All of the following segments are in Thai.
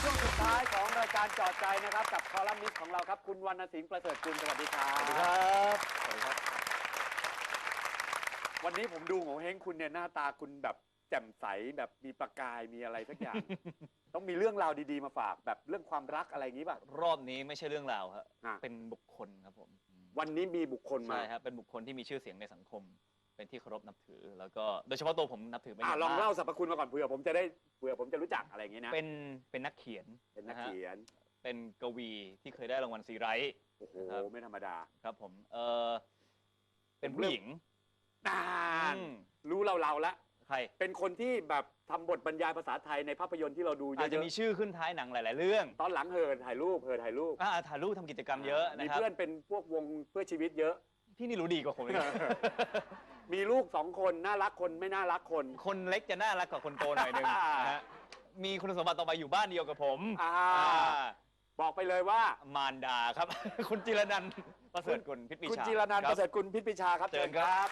ช่วงสุดท้ายของรายการจอดใจนะครับกับคอลัมนิสต์ของเราครับคุณวรรณสิงห์ประเสริฐกุลสวัสดีครับสวัสดีครับสวัสดีครับวันนี้ผมดูโงเห้งคุณเนี่ยหน้าตาคุณแบบแจ่มใสแบบมีประกายมีอะไรสักอย่าง ต้องมีเรื่องราวดีๆมาฝากแบบเรื่องความรักอะไรอย่างนี้ป่ะรอบนี้ไม่ใช่เรื่องราวครับเป็นบุคคลครับผมวันนี้มีบุคคลมาใช่ครับเป็นบุคคลที่มีชื่อเสียงในสังคมเป็นที่เคารพนับถือแล้วก็โดยเฉพาะตัวผมนับถือเป็นอย่างมากลองเล่าสรรพคุณมาก่อนเผื่อผมจะรู้จักอะไรอย่างนี้นะเป็นนักเขียนเป็นนักเขียนเป็นกวีที่เคยได้รางวัลซีไรต์โอ้โหไม่ธรรมดาครับผมเป็นผู้หญิงรู้เราละใครเป็นคนที่แบบทำบทบรรยายภาษาไทยในภาพยนตร์ที่เราดูเยอะๆอาจจะมีชื่อขึ้นท้ายหนังหลายๆเรื่องตอนหลังถ่ายรูปถ่ายรูปทำกิจกรรมเยอะนะครับมีเพื่อนเป็นพวกวงเพื่อชีวิตเยอะพี่นี่รู้ดีกว่าผมมีลูก2 คนน่ารักคนไม่น่ารักคนเล็กจะน่ารักกว่าคนโตหน่อยนึงนะฮะมีคุณสมบัติต่อไปอยู่บ้านเดียวกับผมบอกไปเลยว่ามารดาครับคุณจิรนันท์ประเสริฐกุลพิษปิชาคุณจิรนันท์ประเสริฐกุลพิษปิชาครับเชิญครับ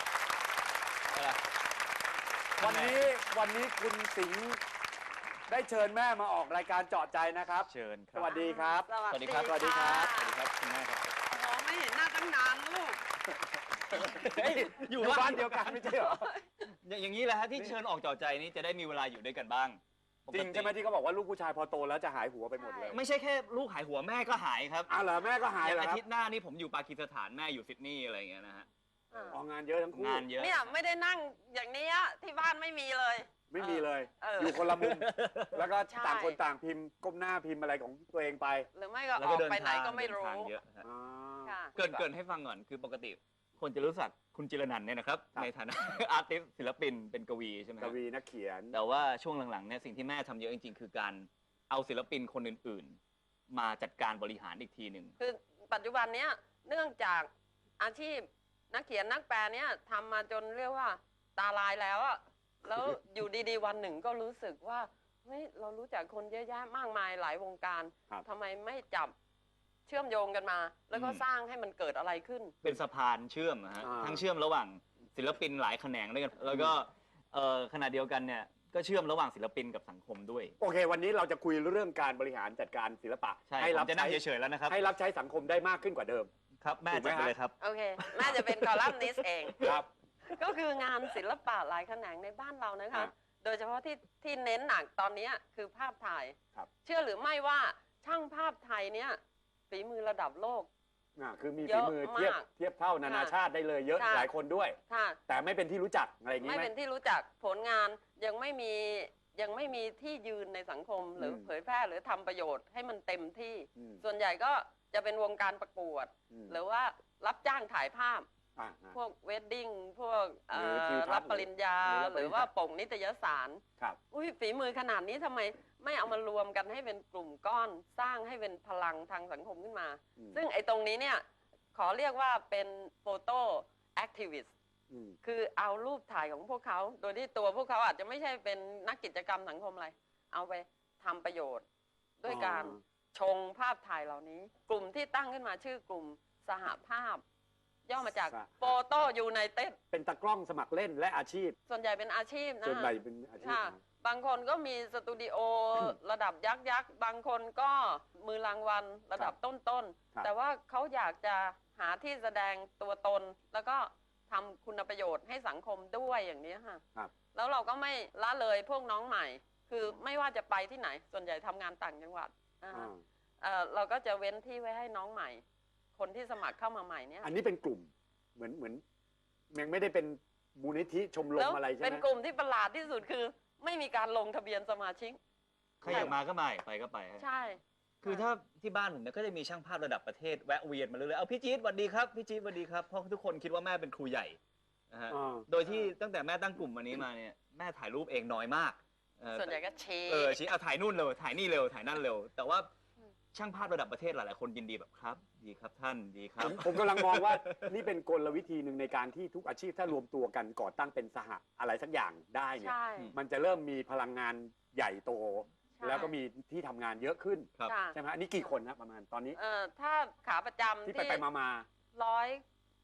วันนี้คุณสิงห์ได้เชิญแม่มาออกรายการเจาะใจนะครับเชิญสวัสดีครับสวัสดีครับสวัสดีครับสวัสดีครับคุณแม่ครับโอ้ไม่เห็นหน้าตั้งนานลูกอยู่บ้านเดียวกันไม่ใช่เหรออย่างนี้แหละฮะที่เชิญออกเจาะใจนี้จะได้มีเวลาอยู่ด้วยกันบ้างจริงใช่ไหมที่เขาบอกว่าลูกผู้ชายพอโตแล้วจะหายหัวไปหมดเลยไม่ใช่แค่ลูกหายหัวแม่ก็หายครับเหรอแม่ก็หายเหรออาทิตย์หน้านี่ผมอยู่ปากีสถานแม่อยู่ซิดนีย์อะไรอย่างเงี้ยนะฮะงานเยอะทั้งคู่งานเยอะเนี่ยไม่ได้นั่งอย่างนี้ที่บ้านไม่มีเลยไม่มีเลยอยู่คนละมุมแล้วก็ต่างคนต่างพิมพ์ก้มหน้าพิมพ์อะไรของตัวเองไปหรือไม่ก็ออกไปไหนก็ไม่รู้เกินให้ฟังก่อนคือปกติคนจะรู้จักคุณจิรนันท์เนี่ยนะครับในฐานะอาร์ติสต์ศิลปินเป็นกวีใช่ไหมกวีนักเขียนแต่ว่าช่วงหลังๆเนี่ยสิ่งที่แม่ทำเยอะจริงๆคือการเอาศิลปินคนอื่นๆมาจัดการบริหารอีกทีหนึ่งคือปัจจุบันเนี้ยเนื่องจากอาชีพนักเขียนนักแปลเนี่ยทำมาจนเรียกว่าตาลายแล้วอะแล้วอยู่ดีๆวันหนึ่งก็รู้สึกว่าเฮ้ยเรารู้จักคนเยอะแยะมากมายหลายวงการทำไมไม่จับเชื่อมโยงกันมาแล้วก็สร้างให้มันเกิดอะไรขึ้นเป็นสะพานเชื่อมนะฮะทั้งเชื่อมระหว่างศิลปินหลายแขนงด้วยกันแล้วก็ขณะเดียวกันเนี่ยก็เชื่อมระหว่างศิลปินกับสังคมด้วยโอเควันนี้เราจะคุยเรื่องการบริหารจัดการศิลปะให้รับจะนั่งเฉยๆแล้วนะครับให้รับใช้สังคมได้มากขึ้นกว่าเดิมครับแม่จะไปเลยครับโอเคแม่จะเป็นคอลัมนิสต์เองครับก็คืองานศิลปะหลายแขนงในบ้านเรานะคะโดยเฉพาะที่เน้นหนักตอนนี้คือภาพถ่ายเชื่อหรือไม่ว่าช่างภาพไทยเนี่ยฝีมือระดับโลกคือมีฝีมือเทียบเท่านานาชาติได้เลยเยอะหลายคนด้วยแต่ไม่เป็นที่รู้จักอะไรอย่างนี้ไม่เป็นที่รู้จักผลงานยังไม่มีที่ยืนในสังคมหรือเผยแพร่หรือทำประโยชน์ให้มันเต็มที่ส่วนใหญ่ก็จะเป็นวงการประกวดหรือว่ารับจ้างถ่ายภาพพวกเวดดิ้งพวกรับปริญญาหรือว่าปกนิตยสารฝีมือขนาดนี้ทำไมไม่เอามารวมกันให้เป็นกลุ่มก้อนสร้างให้เป็นพลังทางสังคมขึ้นมาซึ่งไอ้ตรงนี้เนี่ยขอเรียกว่าเป็นโฟโต้แอคทิวิสต์คือเอารูปถ่ายของพวกเขาโดยที่ตัวพวกเขาอาจจะไม่ใช่เป็นนักกิจกรรมสังคมอะไรเอาไปทำประโยชน์ด้วยการชงภาพถ่ายเหล่านี้กลุ่มที่ตั้งขึ้นมาชื่อกลุ่มสหภาพย่อมาจากโฟโต้ยูไนเต็ดเป็นตากล้องสมัครเล่นและอาชีพส่วนใหญ่เป็นอาชีพนะส่วนใหญ่เป็นอาชีพบางคนก็มีสตูดิโอระดับยักษ์บางคนก็มือรางวัลระดับต้นแต่ว่าเขาอยากจะหาที่แสดงตัวตนแล้วก็ทำคุณประโยชน์ให้สังคมด้วยอย่างนี้ค่ะแล้วเราก็ไม่ละเลยพวกน้องใหม่คือไม่ว่าจะไปที่ไหนส่วนใหญ่ทำงานต่างจังหวัดเราก็จะเว้นที่ไว้ให้น้องใหม่คนที่สมัครเข้ามาใหม่เนี่ยอันนี้เป็นกลุ่มเหมือนยังไม่ได้เป็นมูลนิธิชมรมอะไรใช่ไหมเป็นกลุ่มที่ประหลาดที่สุดคือไม่มีการลงทะเบียนสมาชิกใครอยากมาก็มาไปก็ไปใช่คือถ้าที่บ้านผมเนี่ยก็จะมีช่างภาพระดับประเทศแวะเวียนมาเรื่อยๆเอาพี่จี๊ดสวัสดีครับพี่จี๊ดสวัสดีครับเพราะทุกคนคิดว่าแม่เป็นครูใหญ่นะฮะโดยที่ตั้งแต่แม่ตั้งกลุ่มวันนี้มาเนี่ยแม่ถ่ายรูปเองน้อยมากส่วนใหญ่ก็ชี้เอาถ่ายนู่นเร็วถ่ายนี่เร็วถ่ายนั่นเร็วแต่ว่าช่างภาพระดับประเทศหลายๆคนยินดีแบบครับดีครับท่านดีครับผมกำลังมองว่านี่เป็นกลวิธีหนึ่งในการที่ทุกอาชีพถ้ารวมตัวกันก่อตั้งเป็นสหอะไรสักอย่างได้เนี่ยมันจะเริ่มมีพลังงานใหญ่โตแล้วก็มีที่ทำงานเยอะขึ้นใช่ไหมอันนี้กี่คนนะประมาณตอนนี้ถ้าขาประจำที่ไปมา 100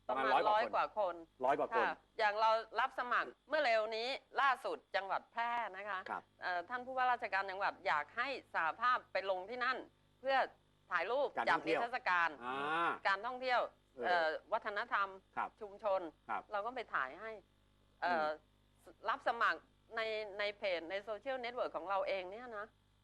ประมาณ 100 100 กว่าคน 100 กว่าคนค่ะอย่างเรารับสมัครเมื่อเร็วนี้ล่าสุดจังหวัดแพร่นะคะครับท่านผู้ว่าราชการจังหวัดอยากให้สหภาพไปลงที่นั่น เพื่อถ่ายรูปการท่จัอบ งเที่นิยวทรรศการอ่าการท่องเที่ยว วัฒนธรรมครับชุมชนครับเราก็ไปถ่ายให้อืมรับสมัครในเพจในโซเชียลเน็ตเวิร์กของเราเองเนี่ยนะ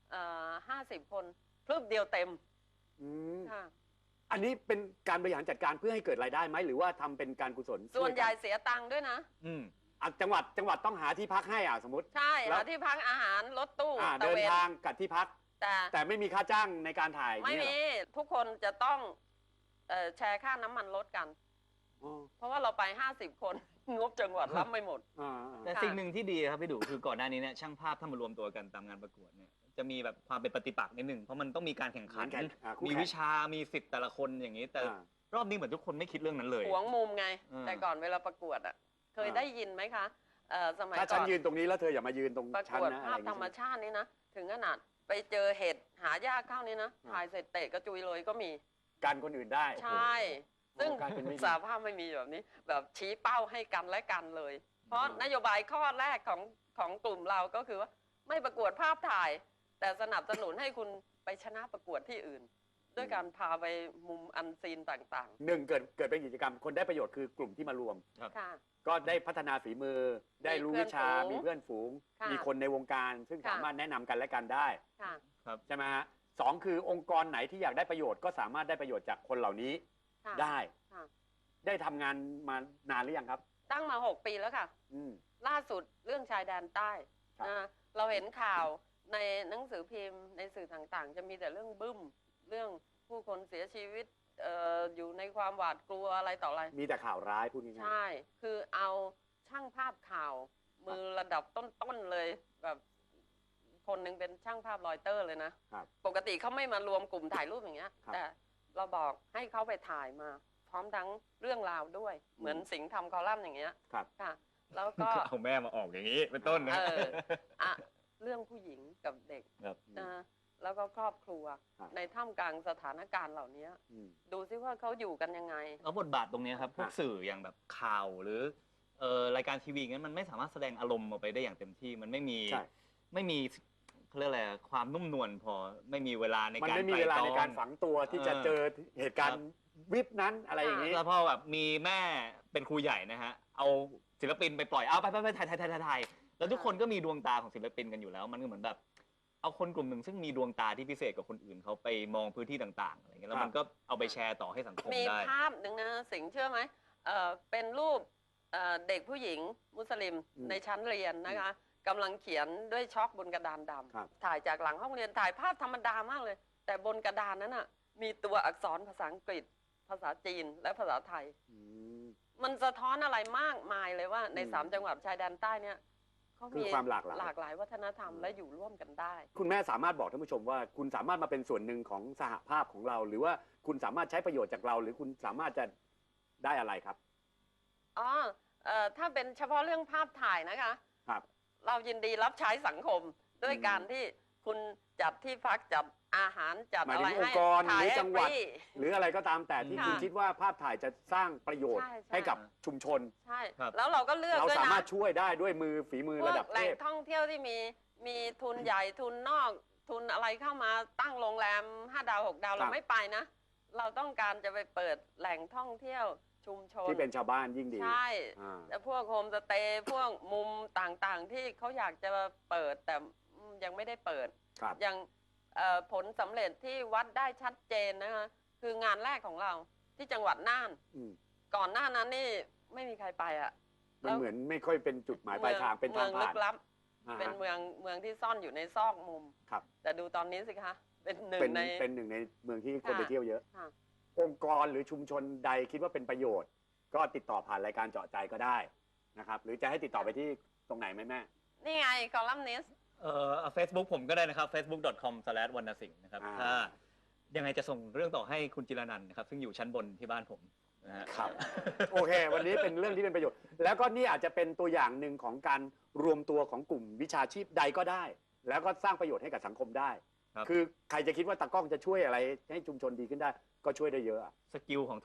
50 คนพรึบเดียวเต็มอืมค่ะอันนี้เป็นการบริหารจัดการเพื่อให้เกิดรายได้ไหมหรือว่าทำเป็นการกุศลส่วนใหญ่ช่ยกัเสียตังค์ด้วยนะอืมจังหวัดต้องหาที่พักให้สมมติใช่แล้วหาที่พักอาหารรถตู้ตะเดินเวนทางกับที่พัก แต่ไม่มีค่าจ้างในการถ่ายไม่เนี่ยมีเหรอทุกคนจะต้องแชร์ค่าน้ำมันรถกันอ๋อเพราะว่าเราไป 50 คน งบจังหวัดรับไม่หมดอ่าแต่สิ่งหนึ่งที่ดีครับพี่ดูคือก่อนหน้านี้เนี่ยช่างภาพถ้ามารวมตัวกันตามงานประกวดเนี่ยจะมีแบบความเป็นปฏิปักษ์นิดนึงเพราะมันต้องมีการแข่งขันคู่มีแข่งวิชามีสิทธิ์แต่ละคนอย่างนี้ แต่อ่ารอบนี้เหมือนทุกคนไม่คิดเรื่องนั้นเลยหวงมุมไงอืมแต่ก่อนเวลาประกวดอ่ะ เคยอ่าได้ยินไหมคะสมัยถ้าก่ฉัอน นยืนตรงนี้แล้วเธออย่ามายืนตรงประฉันกวดนะภาพอะไอย่งธรรมงี้ชาตินี่นะ ถึงขนาดไปเจอเห็ดหายากเข้านี่นะอ่าถ่ายเสร็จเตะกระจุยเลยก็มีการคนอื่นได้ใช่โอ้โหซึ่งกลายเป็นไม่ดีสาภาพไม่มีแบบนี้ แบบชี้เป้าให้กันและกันเลย เพราะอ่านนโยบายข้อแรกของกลุ่มเราก็คือว่าไม่ประกวดภาพถ่าย แต่สนับสนุนให้คุณไปชนะประกวดที่อื่น ด้วยการพาไปมุมอันซีนต่างหนึ่งเกิดเป็นกิจกรรมคนได้ประโยชน์คือกลุ่มที่มารวมๆ ค่ะก็ได้พัฒนาฝีมือ ได้รู้วิชา มีเพื่อนฝูงค่ะมีคนในวงการ ซึ่งค่ะสามารถแนะนำกันและกันได้ค่ะใช่ไหมฮะสองคือองค์กรไหนที่อยากได้ประโยชน์ก็สามารถได้ประโยชน์จากคนเหล่านี้ค่ะได้ค่ะได้ทำงานมานานหรือยังครับตั้งมา 6 ปีแล้วค่ะอืมล่าสุดเรื่องชายแดนใต้ครับนะเราเห็นข่าวในหนังสือพิมพ์ในสื่อต่างๆ จะมีแต่เรื่องบึ้ม เรื่องผู้คนเสียชีวิตอยู่ในความหวาดกลัวอะไรต่ออะไรมีแต่ข่าวร้ายพูดง่ายใช่ คือเอาช่างภาพข่าว มือระดับต้นๆเลยแบบคนหนึ่งเป็นช่างภาพรอยเตอร์เลยนะครับปกติเขาไม่มารวมกลุ่มถ่ายรูปอย่างเงี้ยครับแต่เราบอกให้เขาไปถ่ายมา พร้อมทั้งเรื่องราวด้วย เหมือนสิงห์ทำคอลัมน์อย่างเงี้ยครับค่ะ แล้วก็เอาแม่มาออกอย่างนี้เป็นต้นนะอ่ะเรื่องผู้หญิงกับเด็กครับนะแล้วก็ครอบครัวครับในท่ามกลางสถานการณ์เหล่านี้อืมดูซิว่าเขาอยู่กันยังไงแล้วบทบาทตรงเนี้ยครับพวกอ่ะสื่ออย่างแบบข่าวหรือรายการทีวีงั้นมันไม่สามารถแสดงอารมณ์ออกไปได้อย่างเต็มที่ มันไม่มีใช่ไม่มีเขาเรียกอะไรความนุ่มนวลพอไม่มีเวลาในมันการไม่มีเวลาในการไตฝังตัวที่จะเออเจอเหตุการครัณ์บวิบนั้นอะไรอย่างนี้แล้วพอแบบมีแม่เป็นครูใหญ่นะฮะเอาศิลปินไปปล่อยเอาไปถ่ายแล้วทุกคนก็มีดวงตาของศิลปินกันอยู่แล้ว มันก็เหมือนแบบเอาคนกลุ่มหนึ่งซึ่งมีดวงตาที่พิเศษกว่าคนอื่นเขาไปมองพื้นที่ต่างๆอะไรเงี้ยแล้วมันก็เอาไปแชร์ต่อให้สังคมมีได้ภาพหนึ่งนะสิงห์เชื่อไหมเป็นรูปเด็กผู้หญิงมุสลิมอืมในชั้นเรียนนะคะกำลังเขียนด้วยช็อกบนกระดานดครับำถ่ายจากหลังห้องเรียนถ่ายภาพธรรมดามากเลย แต่บนกระดานนั้นน่ะมีตัวอักษรภาษาอังกฤษ ภาษาจีนและภาษาไทยอืมมันสะท้อนอะไรมากมายเลยว่าในอืม 3 จังหวัดชายแดนใต้เนี่ยเขาคือมีความหลากหลายหลากหลายวัฒนธรรมและอยู่ร่วมกันได้คุณแม่สามารถบอกท่านผู้ชมว่าคุณสามารถมาเป็นส่วนหนึ่งของสหภาพของเรา หรือว่าคุณสามารถใช้ประโยชน์จากเรา หรือคุณสามารถจะได้อะไรครับอ๋อถ้าเป็นเฉพาะเรื่องภาพถ่ายนะคะครับเรายินดีรับใช้สังคมด้วยอืมการที่คุณจัดที่พักจัดอาหารจัดหมายอะถึไรงองให้ค์กรหถ่ายรือให้จังหวัดฟรีหรืออะไรก็ตามแต่ที่ค่ะคุณคิดว่าภาพถ่ายจะสร้างประโยชน์ใช่ใช่ให้กับชุมชนใช่ครับแล้วเราก็เลือกเราด้วยสานะมารถช่วยได้ด้วยฝีมือพวระกดับแหเทล่งพท่องเที่ยวที่มีทุนใหญ่ทุนนอก ทุนอะไรเข้ามาตั้งโรงแรม5 ดาว 6 ดาวครัเราบไม่ไปนะ เราต้องการจะไปเปิดแหล่งท่องเที่ยวชุมชนที่เป็นชาวบ้านยิ่งดีใช่อ่าแต่พวกโฮมสเตย์พวกมุมต่างๆ ที่เขาอยากจะเปิดแต่ยังไม่ได้เปิดครับอย่างผลสำเร็จที่วัดได้ชัดเจนนะคะคืองานแรกของเราที่จังหวัดน่านอืมก่อนหน้านั้นนี่ไม่มีใครไปอ่ะมันเหมือนไม่ค่อยเป็นจุดหมายปลายทางเป็นทางเมืองลึผ่านกลับอ่าฮะเป็นเมืองที่ซ่อนอยู่ในซอกมุมครับแต่ดูตอนนี้สิคะเป็นหนึ่งเป็นในเป็นหนึ่งในเมืองที่คนค่ะไปเที่ยวเยอะค่ะองค์กรหรือชุมชนใดคิดว่าเป็นประโยชน์ ก็ติดต่อผ่านรายการเจาะใจก็ได้นะครับ หรือจะให้ติดต่อไปที่ตรงไหนไหมแม่นี่ไงคอลัมนิสต์ Facebook ผมก็ได้นะครับ facebook.com/wannasingsh นะครับอ่าถ้ายังไงจะส่งเรื่องต่อให้คุณจิรนันท์นะครับ ซึ่งอยู่ชั้นบนที่บ้านผมนะฮะครับ โอเค วันนี้เป็นเรื่องที่เป็นประโยชน์ แล้วก็นี่อาจจะเป็นตัวอย่างหนึ่งของการรวมตัวของกลุ่มวิชาชีพใดก็ได้ แล้วก็สร้างประโยชน์ให้กับสังคมได้ครับคือใครจะคิดว่าตากล้องจะช่วยอะไรให้ชุมชนดีขึ้นได้ ก็ช่วยได้เยอะอะสกิลของทุก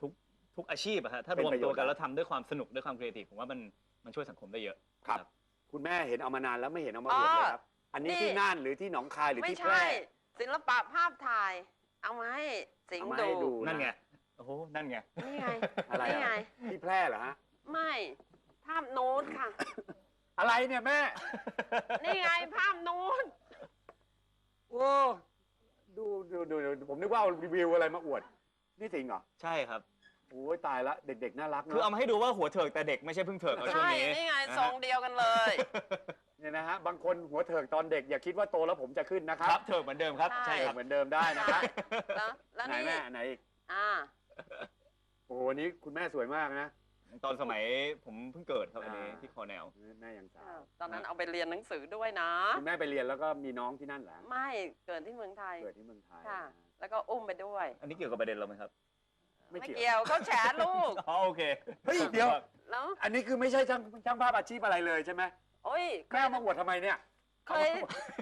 ทุกอาชีพอะฮะถ้ารวมตัวกันแล้วทำด้วยความสนุกด้วยความครีเอทีฟผมว่ามันช่วยสังคมได้เยอะครับ คุณแม่เห็นเอามานานแล้วไม่เห็นเอามาอวดเลยครับ อันนี้ที่น่านหรือที่หนองคายหรือที่แพร่ไม่ใช่ศิลปะภาพถ่าย เอามาให้สิงห์ดูนั่นไงโอ้โหนั่นไงนี่ไงอะไรนี่ไงที่แพร่เหรอฮะไม่ภาพโน้ตค่ะอะไรเนี่ยแม่นี่ไงภาพโน้ตโอ้ดูผมนึกว่าเอารีวิวอะไรมาอวด นี่จริงเหรอใช่ครับโอ้ยตายละเด็กๆน่ารักคือเอาเนาะมาให้ดูว่าหัวเถิกแต่เด็กไม่ใช่เพิ่งเถิกเอาช่วงใช่นี้นี่ไงนะทรฮะงเดียวกันเลยเนี่ยนะฮะบางคนหัวเถิกตอนเด็กอย่าคิดว่าโตแล้วผมจะขึ้นนะครัครับ บเถิกเหมือนเดิมครับใช่ใช่ครับเหมือนเดิมได้นะครับแล้วไหนนี่แม่ไหนอีกอ่าโอ้โหวันนี้คุณแม่สวยมากนะตอนสมัยผมเพิ่งเกิดครับอันนี้ที่คอแนลแม่ยังสาวตอนนั้นเอาไปเรียนหนังสือด้วยนะคุณแม่ไปเรียนแล้วก็มีน้องที่นั่นเหรอไม่เกิดที่เมืองไทยเกิดที่เมืองไทยค่ะ แล้วก็อุ้มไปด้วยอันนี้เกี่ยวกับประเด็นเราไหมครับไม่ไม่เกี่ยวเกี่ยวเขาแฉลูกอ๋อโอเคเฮ้ยเดี๋ยวแล้วอันนี้คือไม่ใช่ช่างภาพอาชีพอะไรเลยใช่ไหมโอ้ยแม่เอามาอวดทำไมเนี่ยเคย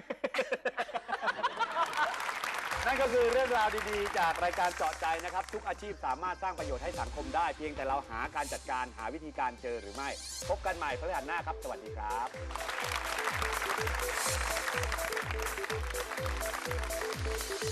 นั่นก็คือเรื่องราวดีๆ จากรายการเจาะใจนะครับ ทุกอาชีพสามารถสร้างประโยชน์ให้สังคมได้ เพียงแต่เราหาการจัดการหาวิธีการเจอหรือไม่ พบกันใหม่พฤหัสหน้าครับ สวัสดีครับ